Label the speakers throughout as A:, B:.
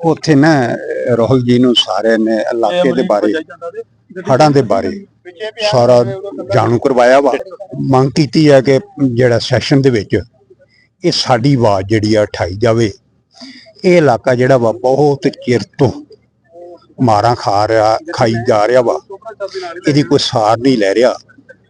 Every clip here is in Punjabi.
A: ਉੱਥੇ ਨਾ ਰਾਹੁਲ ਜੀ ਨੂੰ ਸਾਰਿਆਂ ਨੇ ਇਲਾਕੇ ਦੇ ਬਾਰੇ ਹੜ੍ਹਾਂ ਦੇ ਬਾਰੇ ਸਾਰਾ ਜਾਣੂ ਕਰਵਾਇਆ ਵਾ। ਮੰਗ ਕੀਤੀ ਹੈ ਕਿ ਜਿਹੜਾ ਸੈਸ਼ਨ ਦੇ ਵਿੱਚ ਇਹ ਸਾਡੀ ਆਵਾਜ਼ ਜਿਹੜੀ ਆ ਉਠਾਈ ਜਾਵੇ। ਇਹ ਇਲਾਕਾ ਜਿਹੜਾ ਵਾ ਬਹੁਤ ਚਿਰ ਤੋਂ ਮਾਰਾਂ ਖਾਈ ਜਾ ਰਿਹਾ ਵਾ, ਇਹਦੀ ਕੋਈ ਸਾਰ ਨਹੀਂ ਲੈ ਰਿਹਾ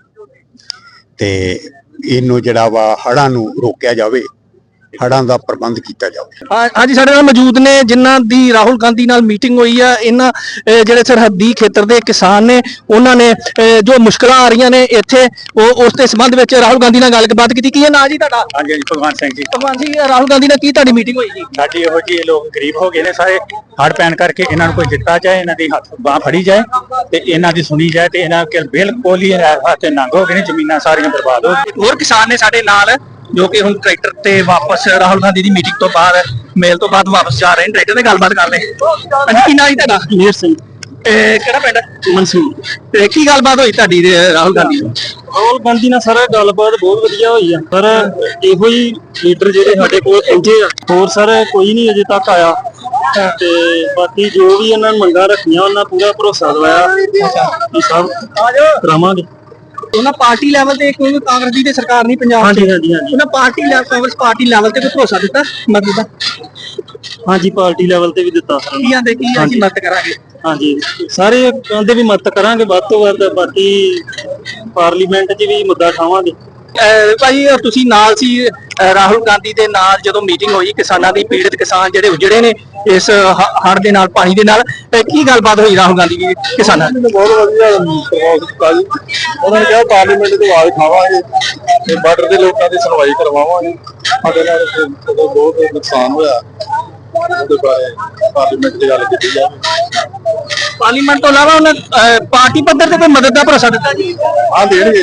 A: ਤੇ ਇਹਨੂੰ ਜਿਹੜਾ ਵਾ ਹੜ੍ਹਾਂ ਨੂੰ ਰੋਕਿਆ ਜਾਵੇ, ਹੜ੍ਹਾਂ ਦਾ ਪ੍ਰਬੰਧ ਕੀਤਾ ਜਾਵੇ।
B: ਹਾਂਜੀ, ਸਾਡੇ ਨਾਲ ਮੌਜੂਦ ਨੇ ਜਿਨ੍ਹਾਂ ਦੀ ਰਾਹੁਲ ਗਾਂਧੀ ਨਾਲ ਮੀਟਿੰਗ ਹੋਈ ਆ। ਇਹਨਾਂ ਜਿਹੜੇ ਸਰਹੱਦੀ ਖੇਤਰ ਦੇ ਕਿਸਾਨ ਨੇ, ਉਹਨਾਂ ਨੇ ਜੋ ਮੁਸ਼ਕਲਾਂ ਆ ਰਹੀਆਂ ਨੇ ਇੱਥੇ, ਉਹ ਉਸ ਦੇ ਸੰਬੰਧ ਵਿੱਚ ਰਾਹੁਲ ਗਾਂਧੀ ਨਾਲ ਗੱਲਬਾਤ ਕੀਤੀ। ਕੀ ਹੈ ਨਾਂ ਜੀ ਤੁਹਾਡਾ?
C: ਹਾਂਜੀ, ਭਗਵਾਨ ਸਿੰਘ ਜੀ।
B: ਭਗਵਾਨ ਸਿੰਘ, ਰਾਹੁਲ ਗਾਂਧੀ ਨਾਲ ਕੀ ਤੁਹਾਡੀ ਮੀਟਿੰਗ ਹੋਈ ਜੀ?
C: ਸਾਡੀ ਇਹੋ ਜੀ, ਲੋਕ ਗਰੀਬ ਹੋ ਗਏ ਨੇ ਸਾਰੇ, ਹੜ੍ਹ ਪੈਣ ਕਰਕੇ ਇਹਨਾਂ ਨੂੰ ਕੋਈ ਦਿੱਤਾ ਜਾਏ, ਇਹਨਾਂ ਦੀ ਹੱਥ ਬਾਂਹ ਫੜੀ ਜਾਏ ਤੇ ਇਹਨਾਂ ਦੀ ਸੁਣੀ ਜਾਏ ਤੇ ਇਹਨਾਂ ਕੇ ਬਿਲਕੁਲ ਹੀ ਹੱਥ ਨੰਗ ਹੋ ਗਏ ਨੇ, ਜ਼ਮੀਨਾਂ ਸਾਰੀਆਂ ਬਰਬਾਦ ਹੋ ਗਈਆਂ।
B: ਹੋਰ ਕਿਸਾਨ ਨੇ ਸਾਡੇ ਨਾਲ ਜੋ ਕਿ ਹੁਣ ਟਰੈਕਟਰ ਤੇ ਵਾਪਸ ਰਾਹੁਲ ਗਾਂਧੀ ਦੀ ਮੀਟਿੰਗ ਤੋਂ ਬਾਅਦ, ਮੇਲ ਤੋਂ ਬਾਅਦ ਵਾਪਸ ਜਾ ਰਹੇ ਨੇ। ਟਰੈਕਟਰ ਤੇ ਗੱਲਬਾਤ ਕਰ ਲੈ। ਹਾਂਜੀ, ਕੀ ਨਾਂ ਜੀ ਤੁਹਾਡਾ?
C: ਮੇਰ ਸਿੰਘ।
B: ਕਿਹੜਾ ਪਿੰਡ?
C: ਮਨਸੂਰ।
B: ਤੇ ਕੀ ਗੱਲਬਾਤ ਹੋਈ ਤੁਹਾਡੀ ਰਾਹੁਲ ਗਾਂਧੀ ਨਾਲ?
C: ਰਾਹੁਲ ਗਾਂਧੀ ਨਾਲ ਸਾਰਾ ਗੱਲਬਾਤ ਬਹੁਤ ਵਧੀਆ ਹੋਈ ਆ, ਪਰ ਇਹੋ ਹੀ ਲੀਡਰ ਜਿਹੜੇ ਸਾਡੇ ਕੋਲ ਪਹੁੰਚੇ ਆ, ਹੋਰ ਸਰ ਕੋਈ ਨਹੀਂ ਅਜੇ ਤੱਕ ਆਇਆ। ਤੇ ਬਾਕੀ ਜੋ ਵੀ ਇਹਨਾਂ ਮੰਗਾਂ ਰੱਖੀਆਂ ਉਹਨਾਂ ਪੂਰਾ ਭਰੋਸਾ ਦਵਾਇਆ ਕਿ ਸਭ ਕਰਾਵਾਂਗੇ।
B: ਉਹਨਾਂ ਪਾਰਟੀ ਲੈਵਲ ਤੇ ਕੋਈ ਕਾਂਗਰਸ ਦੀ ਤੇ ਸਰਕਾਰ ਨਹੀਂ ਪੰਜਾਬ
C: ਹਾਂਜੀ ਹਾਂਜੀ ਹਾਂਜੀ
B: ਉਹਨਾਂ party level, Congress party level ਤੇ ਕੋਈ ਭਰੋਸਾ ਦਿੱਤਾ ਮਦਦ ਦਾ?
C: ਹਾਂਜੀ, ਪਾਰਟੀ ਲੈਵਲ ਤੇ ਵੀ ਦਿੱਤਾ।
B: ਕੀ ਆਂਦੇ ਕੀ ਅਸੀਂ ਮਦਦ ਕਰਾਂਗੇ?
C: ਹਾਂਜੀ, ਸਾਰੇ ਕਹਿੰਦੇ ਵੀ ਮਦਦ ਕਰਾਂਗੇ ਵੱਧ ਤੋਂ ਵੱਧ। ਬਾਕੀ ਪਾਰਲੀਮੈਂਟ 'ਚ ਵੀ ਮੁੱਦਾ ਉਠਾਵਾਂਗੇ।
B: ਭਾਈ ਤੁਸੀਂ ਨਾਲ ਸੀ ਰਾਹੁਲ ਗਾਂਧੀ ਦੇ ਨਾਲ ਜਦੋਂ ਮੀਟਿੰਗ ਹੋਈ ਕਿਸਾਨਾਂ ਦੀ, ਪੀੜਤ ਕਿਸਾਨ ਜਿਹੜੇ ਉਜੜੇ ਨੇ ਇਸ ਹੜ੍ਹ ਦੇ ਨਾਲ, ਪਾਣੀ ਦੇ ਨਾਲ, ਕੀ ਗੱਲਬਾਤ ਹੋਈ ਰਾਹੁਲ ਗਾਂਧੀ ਦੀ ਕਿਸਾਨਾਂ ਦੀ?
D: ਬਹੁਤ ਵਧੀਆ ਉਹਨਾਂ ਨੇ ਕਿਹਾ ਪਾਰਲੀਮੈਂਟ ਦੀ ਆਵਾਜ਼ ਉਠਾਵਾਂਗੇ ਤੇ ਬਾਰਡਰ ਦੇ ਲੋਕਾਂ ਦੀ ਸੁਣਵਾਈ ਕਰਵਾਵਾਂਗੇ। ਸਾਡੇ ਨਾਲ ਜਦੋਂ ਬਹੁਤ ਨੁਕਸਾਨ ਹੋਇਆ ਉਹਦੇ ਬਾਰੇ ਪਾਰਲੀਮੈਂਟ ਦੀ ਗੱਲ ਕੀਤੀ ਜਾਵੇ।
B: ਪਾਰਲੀਮੈਂਟ ਤੋਂ ਇਲਾਵਾ ਉਹਨਾਂ ਪਾਰਟੀ ਪੱਧਰ ਤੇ ਕੋਈ ਮਦਦ ਦਾ ਭਰੋਸਾ ਦਿੱਤਾ ਜੀ?
D: ਹਾਂ, ਦੇਣਗੇ।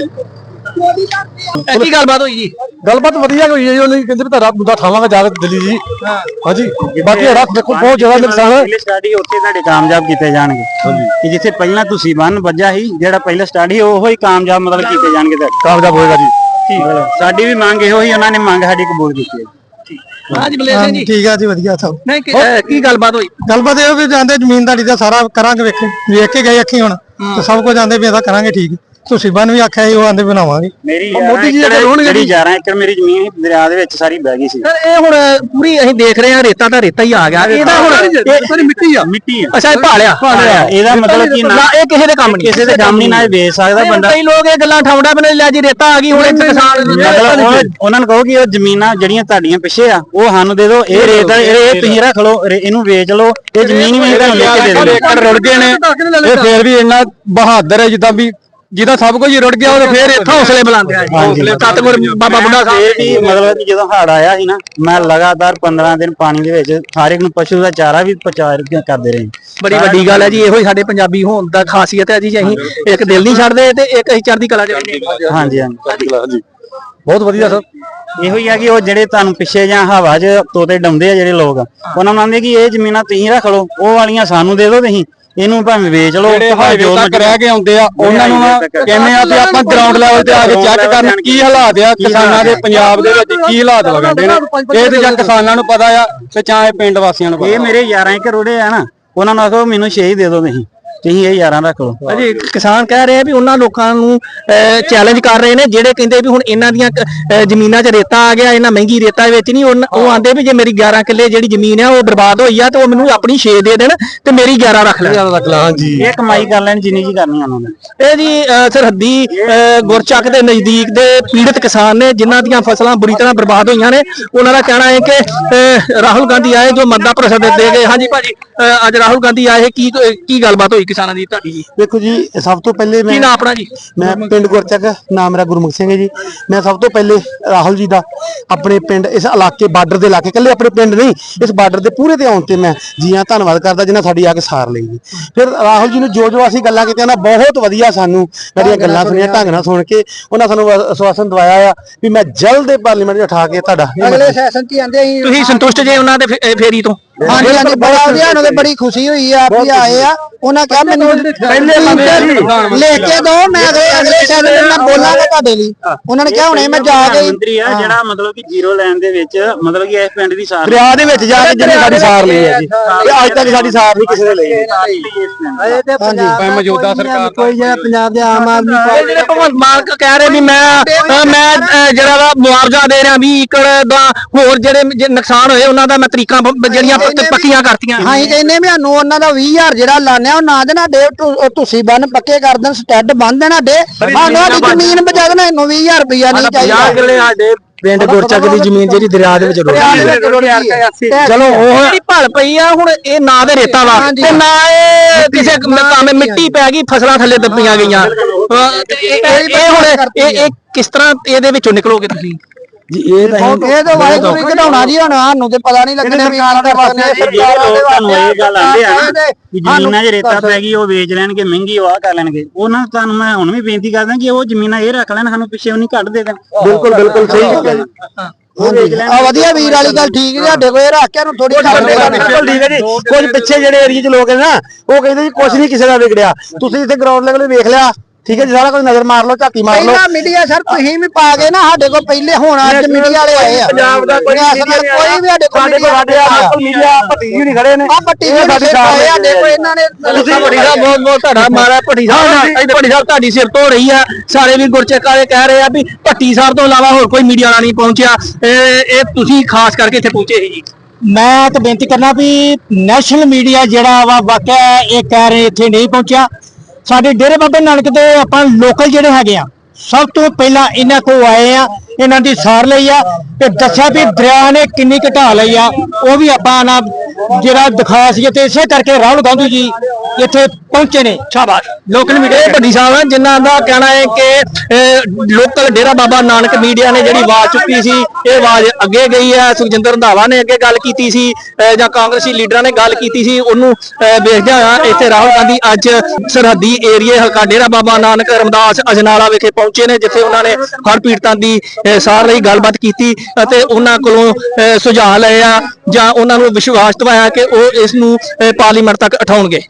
B: ਕੀ ਗੱਲਬਾਤ ਹੋਈ ਜੀ?
D: ਗੱਲਬਾਤ ਵਧੀਆ ਹੋਈ ਹੈ ਜੀ। ਉਹਨੇ ਕਹਿੰਦੇ ਵੀ ਤੁਹਾਡਾ ਮੁੱਦਾ ਉਠਾਵਾਂਗੇ ਜਾ ਕੇ ਦਿੱਲੀ ਜੀ। ਹਾਂਜੀ, ਬਾਕੀ ਰੱਖ ਦੇਖੋ ਬਹੁਤ ਜ਼ਿਆਦਾ ਨੁਕਸਾਨ ਹੈ।
C: ਪਹਿਲੇ ਸਟਾਡੀ ਉੱਥੇ ਤੁਹਾਡੇ ਕਾਮਯਾਬ ਕੀਤੇ ਜਾਣਗੇ ਕਿ ਜਿੱਥੇ ਪਹਿਲਾਂ ਤੁਸੀਂ ਬੰਨ ਵੱਜਾ ਸੀ, ਜਿਹੜਾ ਪਹਿਲਾ ਸਟਾਡੀ ਉਹੋ ਹੀ ਕਾਮਯਾਬ ਮਤਲਬ ਕੀਤੇ ਜਾਣਗੇ, ਤੇ
D: ਕਾਮਯਾਬ ਹੋਏਗਾ ਜੀ।
C: ਸਾਡੀ ਵੀ ਮੰਗ ਇਹੋ ਹੀ, ਉਹਨਾਂ ਨੇ ਮੰਗ ਸਾਡੀ ਕਬੂਲ ਕੀਤੀ ਹੈ।
B: ਹਾਂਜੀ ਬਲੇਸ਼ ਸਿੰਘ ਜੀ।
D: ਠੀਕ ਆ ਜੀ, ਵਧੀਆ ਸਭ।
B: ਨਹੀਂ ਕੀ ਗੱਲਬਾਤ ਹੋਈ?
D: ਗੱਲਬਾਤ ਇਹ ਵੀ ਜਾਂਦੇ ਜ਼ਮੀਨਦਾਰੀ ਦਾ ਸਾਰਾ ਕਰਾਂਗੇ, ਵੇਖ ਕੇ ਗਏ ਅੱਖੀ ਹੁਣ ਤੇ ਸਭ ਕੁਝ ਜਾਂਦੇ ਵੀ ਇਹਦਾ ਕਰਾਂਗੇ। ਠੀਕ, ਤੁਸੀਂ ਬਨ ਵੀ ਆਖਿਆ ਸੀ, ਉਹ ਆਂਦੇ ਬਣਾਵਾਂਗੇ।
C: ਮੇਰੀ ਮੋਦੀ ਜੀ ਜਿਹੜੀ 11 ਏਕੜ ਮੇਰੀ ਜ਼ਮੀਨ ਦਰਿਆ ਦੇ ਵਿੱਚ ਸਾਰੀ ਬਹਿ ਗਈ ਸੀ।
B: ਇਹ ਹੁਣ ਪੂਰੀ ਅਸੀਂ ਦੇਖ ਰਹੇ ਹਾਂ ਰੇਤਾ ਦਾ ਰੇਤਾ ਹੀ ਆ ਗਿਆ। ਇਹਦਾ ਹੁਣ ਮਿੱਟੀ ਆ। ਅੱਛਾ, ਇਹ ਭਾਲਿਆ
C: ਇਹਦਾ ਮਤਲਬ ਕੀ ਨਾ,
B: ਇਹ ਕਿਸੇ ਦੇ ਕੰਮ ਨਹੀਂ,
C: ਕਿਸੇ ਦੇ ਕੰਮ ਨਹੀਂ ਨਾ ਵੇਚ ਸਕਦਾ ਬੰਦਾ।
B: ਕਈ ਲੋਕ ਇਹ ਗੱਲਾਂ ਠਾਉਂਦਾ ਬਣੇ ਲੈ ਜੀ ਰੇਤਾ ਆ ਗਈ ਹੁਣ ਕਿਸਾਨ,
C: ਮਤਲਬ ਉਹਨਾਂ ਨੂੰ ਕਹੋ ਕਿ ਉਹ ਜ਼ਮੀਨਾਂ ਜਿਹੜੀਆਂ ਤੁਹਾਡੀਆਂ ਪਿੱਛੇ ਆ ਉਹ ਸਾਨੂੰ ਦੇ ਦਿਓ, ਇਹ ਰੇਤ ਇਹ ਤੁਸੀਂ ਰੱਖ ਲਓ, ਇਹਨੂੰ ਵੇਚ ਲਓ, ਇਹ ਜ਼ਮੀਨ ਵੀ ਤੁਹਾਨੂੰ ਲੈ ਕੇ ਦੇ ਦਿਓ।
D: ਏਕੜ ਰੁੜ ਗਏ ਨੇ, ਇਹ ਫੇਰ ਵੀ ਇੰਨਾ ਬਹਾਦਰ ਹੈ ਜਿੱਦਾਂ ਵੀ ਜਿਹਦਾ ਸਭ ਕੁਝ ਰੁੜ ਗਿਆ ਉਹ ਫੇਰ ਇੱਥੇ ਹੌਸਲੇ ਬੁਲਾਉਂਦੇ ਆ।
B: ਸਤਿਗੁਰ ਬਾਬਾ ਬੁੱਢਾ ਸਾਹਿਬ
C: ਮਤਲਬ ਕਿ ਜਦੋਂ ਹੜ੍ਹ ਆਇਆ ਸੀ ਨਾ, ਮੈਂ ਲਗਾਤਾਰ 15 ਦਿਨ ਪਾਣੀ ਦੇ ਵਿੱਚ ਹਰ ਇੱਕ ਨੂੰ ਪਸ਼ੂ ਦਾ ਚਾਰਾ ਵੀ ਪਹੁੰਚਾ ਕਰਦੇ ਰਹੇ।
B: ਬੜੀ ਵੱਡੀ ਗੱਲ ਹੈ ਜੀ। ਇਹੋ ਹੀ ਸਾਡੇ ਪੰਜਾਬੀ ਹੋਣ ਦਾ ਖਾਸੀਅਤ ਹੈ ਜੀ, ਅਸੀਂ ਇੱਕ ਦਿਲ ਨਹੀਂ ਛੱਡਦੇ ਤੇ ਇੱਕ ਅਸੀਂ ਚੜ੍ਹਦੀ ਕਲਾ ਚ ਰਹਿੰਦੇ।
C: ਹਾਂਜੀ ਹਾਂਜੀ,
D: ਬਹੁਤ ਵਧੀਆ ਸਰ।
C: ਇਹੋ ਹੀ ਆ ਕਿ ਉਹ ਜਿਹੜੇ ਤੁਹਾਨੂੰ ਪਿੱਛੇ ਜਾਂ ਹਵਾ 'ਚ ਤੋਤੇ ਡਾਉਂਦੇ ਆ ਜਿਹੜੇ ਲੋਕ, ਉਹਨਾਂ ਨੂੰ ਆਂਦੇ ਕਿ ਇਹ ਜ਼ਮੀਨਾਂ ਤੁਸੀਂ ਰੱਖ ਲਓ, ਉਹ ਵਾਲੀਆਂ ਸਾਨੂੰ ਦੇ ਦਿਓ, ਤੁਸੀਂ ਇਹਨੂੰ ਭਾਵੇਂ ਵੇਚ ਲਓ।
D: ਜਿਹੜੇ ਹਾਈਵੇ ਤੱਕ ਰਹਿ ਕੇ ਆਉਂਦੇ ਆ ਉਹਨਾਂ ਨੂੰ ਕਹਿੰਦੇ ਆ ਵੀ ਆਪਾਂ ਗਰਾਊਂਡ ਲੈਵਲ ਤੇ ਆ ਕੇ ਚੈੱਕ ਕਰਨ ਕੀ ਹਾਲਾਤ ਆ ਕਿਸਾਨਾਂ ਦੇ, ਪੰਜਾਬ ਦੇ ਵਿੱਚ ਕੀ ਹਾਲਾਤ ਵਗੰਦੇ ਨੇ। ਇਹ ਤੇ ਜਾਂ ਕਿਸਾਨਾਂ ਨੂੰ ਪਤਾ ਆ ਤੇ ਚਾਹੇ ਪਿੰਡ ਵਾਸੀਆਂ ਨੂੰ ਪਤਾ।
C: ਇਹ ਮੇਰੇ 11 ਏਕੜ ਰੋੜੇ ਆ ਨਾ, ਉਹਨਾਂ ਨੂੰ ਆਖੋ ਮੈਨੂੰ 6 ਹੀ ਦੇ ਦਿਓ, ਤੁਸੀਂ ਇਹ 11 ਰੱਖ ਲਓ।
B: ਅਜੇ ਕਿਸਾਨ ਕਹਿ ਰਹੇ ਆ ਵੀ ਉਹਨਾਂ ਲੋਕਾਂ ਨੂੰ ਚੈਲੰਜ ਕਰ ਰਹੇ ਨੇ ਜਿਹੜੇ ਕਹਿੰਦੇ ਵੀ ਹੁਣ ਇਹਨਾਂ ਦੀਆਂ ਜ਼ਮੀਨਾਂ 'ਚ ਰੇਤਾ ਆ ਗਿਆ, ਇਹਨਾਂ ਮਹਿੰਗੀ ਰੇਤਾ ਵਿੱਚ ਨਹੀਂ। ਉਹ ਆਂਦੇ ਵੀ ਜੇ ਮੇਰੀ 11 ਕਿੱਲੇ ਜਿਹੜੀ ਜ਼ਮੀਨ ਆ ਉਹ ਬਰਬਾਦ ਹੋਈ ਆ ਤੇ ਉਹ ਮੈਨੂੰ ਆਪਣੀ 6 ਦੇ ਦੇਣ ਤੇ ਮੇਰੀ 11 ਰੱਖ ਲੈ।
D: ਹਾਂਜੀ,
C: ਇਹ ਕਮਾਈ ਕਰ ਲੈਣ ਜਿੰਨੀ ਜੀ ਕਰਨੀ ਉਹਨਾਂ ਨੇ।
B: ਇਹ ਜੀ ਸਰਹੱਦੀ ਗੁਰਚੱਕ ਦੇ ਨਜ਼ਦੀਕ ਦੇ ਪੀੜਤ ਕਿਸਾਨ ਨੇ ਜਿਨ੍ਹਾਂ ਦੀਆਂ ਫਸਲਾਂ ਬੁਰੀ ਤਰ੍ਹਾਂ ਬਰਬਾਦ ਹੋਈਆਂ ਨੇ। ਉਹਨਾਂ ਦਾ ਕਹਿਣਾ ਹੈ ਕਿ ਰਾਹੁਲ ਗਾਂਧੀ ਆਏ ਜੋ ਮਦਦ ਭਰੋਸਾ ਦੇ ਗਏ। ਹਾਂਜੀ ਭਾਜੀ, ਅੱਜ ਰਾਹੁਲ ਗਾਂਧੀ ਆਏ, ਕੀ ਗੱਲਬਾਤ ਹੋਈ ਕਿਸਾਨਾਂ ਦੀ ਤੁਹਾਡੀ ਜੀ?
D: ਦੇਖੋ ਜੀ, ਸਭ ਤੋਂ ਪਹਿਲੇ
B: ਕੀ ਨਾਮ ਆਪਣਾ ਜੀ?
D: ਮੈਂ ਪਿੰਡ ਗੁਰਚੱਕ, ਨਾਮ ਮੇਰਾ ਗੁਰਮੁਖ ਸਿੰਘ ਹੈ ਜੀ। ਮੈਂ ਸਭ ਤੋਂ ਪਹਿਲੇ ਰਾਹੁਲ ਜੀ ਦਾ ਆਪਣੇ ਪਿੰਡ, ਇਸ ਇਲਾਕੇ ਬਾਰਡਰ ਦੇ ਇਲਾਕੇ, ਇਕੱਲੇ ਆਪਣੇ ਪਿੰਡ ਨਹੀਂ ਇਸ ਬਾਰਡਰ ਦੇ ਪੂਰੇ ਤੇ ਆਉਣ ਤੇ ਮੈਂ ਜੀ ਹਾਂ ਧੰਨਵਾਦ ਕਰਦਾ ਜਿਨ੍ਹਾਂ ਸਾਡੀ ਆ ਕੇ ਸਾਰ ਲਈ ਜੀ। ਫਿਰ ਰਾਹੁਲ ਜੀ ਨੂੰ ਜੋ ਅਸੀਂ ਗੱਲਾਂ ਕੀਤੀਆਂ ਨਾ, ਬਹੁਤ ਵਧੀਆ ਸਾਨੂੰ ਜਿਹੜੀਆਂ ਗੱਲਾਂ ਸੁਣੀਆਂ ਢੰਗ ਨਾਲ ਸੁਣ ਕੇ ਉਹਨਾਂ ਸਾਨੂੰ ਆਸ਼ਵਾਸਨ ਦਵਾਇਆ ਆ ਵੀ ਮੈਂ ਜਲਦ ਪਾਰਲੀਮੈਂਟ 'ਚ ਉਠਾ ਕੇ ਤੁਹਾਡਾ
B: ਅਗਲੇ ਸੈਸ਼ਨ 'ਚ ਆਂਦੇ। ਤੁਸੀਂ ਸੰਤੁਸ਼ਟ ਜੇ ਉਹਨਾਂ ਦੇ ਫੇਰੀ ਤੋਂ?
E: ਹਾਂਜੀ ਹਾਂਜੀ ਬੜਾ ਵਧੀਆ, ਉਹਨਾਂ ਦੇ ਬੜੀ ਖੁਸ਼ੀ ਹੋਈ ਆ ਵੀ ਆਏ ਆ। ਉਹਨਾਂ ਕਿਹਾ ਮੈਨੂੰ ਪਹਿਲੇ ਲੈ ਕੇ ਦੋ, ਮੈਂ ਅਗਲੇ ਸ਼ਹਿਰ ਮੈਂ ਬੋਲਾਂਗਾ ਤੁਹਾਡੇ ਲਈ। ਉਹਨਾਂ ਨੇ ਕਿਹਾ ਹੁਣੇ ਮੈਂ ਜਾ ਕੇ
C: ਮੰਤਰੀ ਆ ਜਿਹੜਾ ਮਤਲਬ ਕਿ ਜ਼ੀਰੋ ਲਾਈਨ ਦੇ ਵਿੱਚ ਮਤਲਬ ਕਿ ਇਸ ਪਿੰਡ ਦੀ ਸਾਰ
D: ਦਰਿਆ ਦੇ ਵਿੱਚ ਜਾ ਕੇ ਜਿਹਨੇ ਸਾਡੀ ਸਾਰ ਲਈ ਹੈ ਜੀ, ਤੇ ਅੱਜ ਤੱਕ ਸਾਡੀ ਸਾਰ ਨਹੀਂ ਕਿਸੇ ਨੇ ਲਈ।
E: ਹਾਂਜੀ
D: ਮੌਜੂਦਾ ਸਰਕਾਰ
E: ਕੋਈ ਜਿਹੜਾ ਪੰਜਾਬ ਦੇ ਆਮ ਆਦਮੀ ਪਾਰਟੀ
B: ਜਿਹੜੇ ਭਗਵੰਤ ਮਾਨ ਕਹਿ ਰਹੇ ਵੀ ਮੈਂ ਜਿਹੜਾ ਵਾ ਮੁਆਵਜ਼ਾ ਦੇ ਰਿਹਾ 20 ਏਕੜ ਦਾ, ਹੋਰ ਜਿਹੜੇ ਨੁਕਸਾਨ ਹੋਏ ਉਹਨਾਂ ਦਾ ਮੈਂ ਤਰੀਕਾਂ ਜਿਹੜੀਆਂ ਪੱਕੀਆਂ ਕਰਤੀਆਂ।
E: ਅਸੀਂ ਕਹਿੰਦੇ ਵੀ ਸਾਨੂੰ ਉਹਨਾਂ ਦਾ 20,000 ਜਿਹੜਾ ਲਾਣਿਆ ਉਹ ਨਾ ਦੇਣਾ, ਡੇ ਤੁਸੀਂ ਬੰਨ ਪੱਕੇ ਕਰ ਦੇਣ, ਸਟੈਡ ਬੰਨ ਦੇਣਾ ਡੇ, ਸਾਨੂੰ ਸਾਡੀ ਜ਼ਮੀਨ ਬਚਾ ਦੇਣਾ, ਇਹਨੂੰ 20,000 ਰੁਪਇਆ ਨਹੀਂ ਚਾਹੀਦਾ।
B: ਸਾਡੇ
D: ਪਿੰਡ ਗੁਰਚੱਕ ਦੀ ਜ਼ਮੀਨ ਜਿਹੜੀ ਦਰਿਆ ਦੇ ਵਿੱਚ
B: ਚਲੋ ਉਹ ਜਿਹੜੀ ਭਲ ਪਈ ਆ ਹੁਣ, ਇਹ ਨਾ ਦੇ ਰੇਤਾ ਵਾ ਤੇ ਨਾ ਇਹ ਕਿਸੇ ਕੰਮ ਮਿੱਟੀ ਪੈ ਗਈ, ਫਸਲਾਂ ਥੱਲੇ ਦੱਬੀਆਂ ਗਈਆਂ। ਇਹ ਹੁਣ ਇਹ ਕਿਸ ਤਰ੍ਹਾਂ ਇਹਦੇ ਵਿੱਚੋਂ ਨਿਕਲੋਗੇ ਤੁਸੀਂ
D: ਜੀ? ਇਹ
E: ਤਾਂ ਵਾਹਿਗੁਰੂ ਹੀ ਕਢਾਉਣਾ ਜੀ, ਹੁਣ ਸਾਨੂੰ ਤੇ ਪਤਾ ਨਹੀਂ ਲੱਗਣਾ ਵੀ ਆਣ ਦੇ
C: ਤੁਹਾਨੂੰ ਇਹ ਗੱਲ ਆਂਦੇ ਆ ਨਾ ਕਿ ਜ਼ਮੀਨਾਂ 'ਚ ਰੇਤਾ ਪੈ ਗਈ ਉਹ ਵੇਚ ਲੈਣਗੇ, ਮਹਿੰਗੀ ਉਹ ਆ ਕਰ ਲੈਣਗੇ। ਉਹਨਾਂ ਤੁਹਾਨੂੰ ਮੈਂ ਹੁਣ ਵੀ ਬੇਨਤੀ ਕਰਦਾ ਕਿ ਉਹ ਜ਼ਮੀਨਾਂ ਇਹ ਰੱਖ ਲੈਣ, ਸਾਨੂੰ ਪਿੱਛੇ ਉਹ ਨਹੀਂ ਕੱਢ ਦੇ ਦੇਣ।
D: ਬਿਲਕੁਲ ਬਿਲਕੁਲ ਸਹੀ ਗੱਲ ਹੈ ਜੀ।
E: ਆ ਵਧੀਆ ਵੀਰ ਵਾਲੀ ਗੱਲ ਠੀਕ ਹੈ, ਸਾਡੇ ਕੋਲ ਇਹ ਰੱਖ ਕੇ ਨੂੰ ਥੋੜੀ
D: ਬਿਲਕੁਲ ਠੀਕ ਹੈ ਜੀ। ਕੁਝ ਪਿੱਛੇ ਜਿਹੜੇ ਏਰੀਏ 'ਚ ਲੋਕ ਨੇ ਨਾ, ਉਹ ਕਹਿੰਦੇ ਜੀ ਕੁਝ ਨਹੀਂ ਕਿਸੇ ਦਾ ਵਿਗੜਿਆ। ਤੁਸੀਂ ਇੱਥੇ ਗਰਾਊਂਡ ਲੈਵਲ ਵੇਖ ਲਿਆ, ਠੀਕ ਹੈ ਜੀ, ਸਾਰਾ ਕੁਝ ਨਜ਼ਰ ਮਾਰ ਲਓ, ਝਾਤੀ ਮਾਰ ਲਓ।
E: ਪਹਿਲਾਂ ਮੀਡੀਆ ਸਰ ਤੁਸੀਂ ਵੀ ਪਾ ਗਏ ਨਾ ਸਾਡੇ ਕੋਲ, ਪਹਿਲੇ ਹੁਣ ਅੱਜ ਮੀਡੀਆ ਵਾਲੇ ਆਏ ਆ।
D: ਪੰਜਾਬ ਦਾ ਕੋਈ
E: ਕੋਈ ਵੀ ਸਾਡੇ ਕੋਲ
D: ਮੀਡੀਆ ਭੱਟੀ ਜੀ ਨਹੀਂ ਖੜੇ ਨੇ।
E: ਆ ਪੱਟੀ ਵੀ ਸਾਡੇ ਕੋਲ ਇਹਨਾਂ ਨੇ
B: ਭੱਟੀ ਸਾਹਿਬ ਬਹੁਤ ਤੁਹਾਡਾ ਮਾਰਾ ਭੱਟੀ ਸਾਹਿਬ ਭੱਟੀ ਸਾਹਿਬ ਤੁਹਾਡੀ ਸਿਰ ਤੋਂ ਰਹੀ ਆ। ਸਾਰੇ ਵੀ ਗੁਰਚੱਕ ਵਾਲੇ ਕਹਿ ਰਹੇ ਆ ਵੀ ਭੱਟੀ ਸਾਹਿਬ ਤੋਂ ਇਲਾਵਾ ਹੋਰ ਕੋਈ ਮੀਡੀਆ ਵਾਲਾ ਨਹੀਂ ਪਹੁੰਚਿਆ, ਇਹ ਤੁਸੀਂ ਖਾਸ ਕਰਕੇ ਇੱਥੇ ਪਹੁੰਚੇ ਸੀ ਜੀ।
E: ਮੈਂ ਤਾਂ ਬੇਨਤੀ ਕਰਨਾ ਵੀ ਨੈਸ਼ਨਲ ਮੀਡੀਆ ਜਿਹੜਾ ਵਾ ਵਾਕਿਆ ਇਹ ਕਹਿ ਰਹੇ ਇੱਥੇ ਨਹੀਂ ਪਹੁੰਚਿਆ। ਸਾਡੇ ਡੇਰੇ ਬਾਬੇ ਨਾਨਕ ਦੇ ਆਪਾਂ ਲੋਕਲ ਜਿਹੜੇ ਹੈਗੇ ਆ, ਸਭ ਤੋਂ ਪਹਿਲਾਂ ਇਹਨਾਂ ਕੋਲ ਆਏ ਆ, ਇਹਨਾਂ ਦੀ ਸਾਰ ਲਈ ਆ ਤੇ ਦੱਸਿਆ ਵੀ ਦਰਿਆ ਨੇ ਕਿੰਨੀ ਘਟਾ ਲਈ ਆ, ਉਹ ਵੀ ਆਪਾਂ ਨਾ ਜਿਹੜਾ ਦਿਖਾਇਆ ਸੀ। ਤੇ ਇਸੇ ਕਰਕੇ ਰਾਹੁਲ ਗਾਂਧੀ ਜੀ ਇੱਥੇ ਪਹੁੰਚੇ ਨੇ।
B: ਸ਼ਾਬਾਸ਼। ਲੋਕਲ ਮੀਡੀਆ ਭੱਟੀ ਸਾਹਿਬ ਜਿਨ੍ਹਾਂ ਦਾ ਕਹਿਣਾ ਹੈ ਕਿ ਲੋਕਲ ਡੇਰਾ ਬਾਬਾ ਨਾਨਕ ਮੀਡੀਆ ਨੇ ਜਿਹੜੀ ਆਵਾਜ਼ ਚੁੱਕੀ ਸੀ, ਇਹ ਆਵਾਜ਼ ਅੱਗੇ ਗਈ ਹੈ। ਸੁਖਜਿੰਦਰ ਰੰਧਾਵਾ ਨੇ ਅੱਗੇ ਗੱਲ ਕੀਤੀ ਸੀ ਜਾਂ ਕਾਂਗਰਸੀ ਲੀਡਰਾਂ ਨੇ ਗੱਲ ਕੀਤੀ ਸੀ, ਉਹਨੂੰ ਵੇਖਦਿਆਂ ਹੋਇਆ ਇੱਥੇ ਰਾਹੁਲ ਗਾਂਧੀ ਅੱਜ ਸਰਹੱਦੀ ਏਰੀਏ ਹਲਕਾ ਡੇਰਾ ਬਾਬਾ ਨਾਨਕ ਰਮਦਾਸ ਅਜਨਾਲਾ ਵਿਖੇ ਪਹੁੰਚੇ ਨੇ, ਜਿੱਥੇ ਉਹਨਾਂ ਨੇ ਹੜ੍ਹ ਪੀੜਤਾਂ ਦੀ ਸਾਰ ਲਈ ਗੱਲਬਾਤ ਕੀਤੀ ਅਤੇ ਉਹਨਾਂ ਕੋਲੋਂ ਸੁਝਾਅ ਲਏ ਆ ਜਾਂ ਉਹਨਾਂ ਨੂੰ ਵਿਸ਼ਵਾਸ ਦਿਵਾਇਆ ਕਿ ਉਹ ਇਸ ਨੂੰ ਪਾਰਲੀਮੈਂਟ ਤੱਕ ਉਠਾਉਣਗੇ।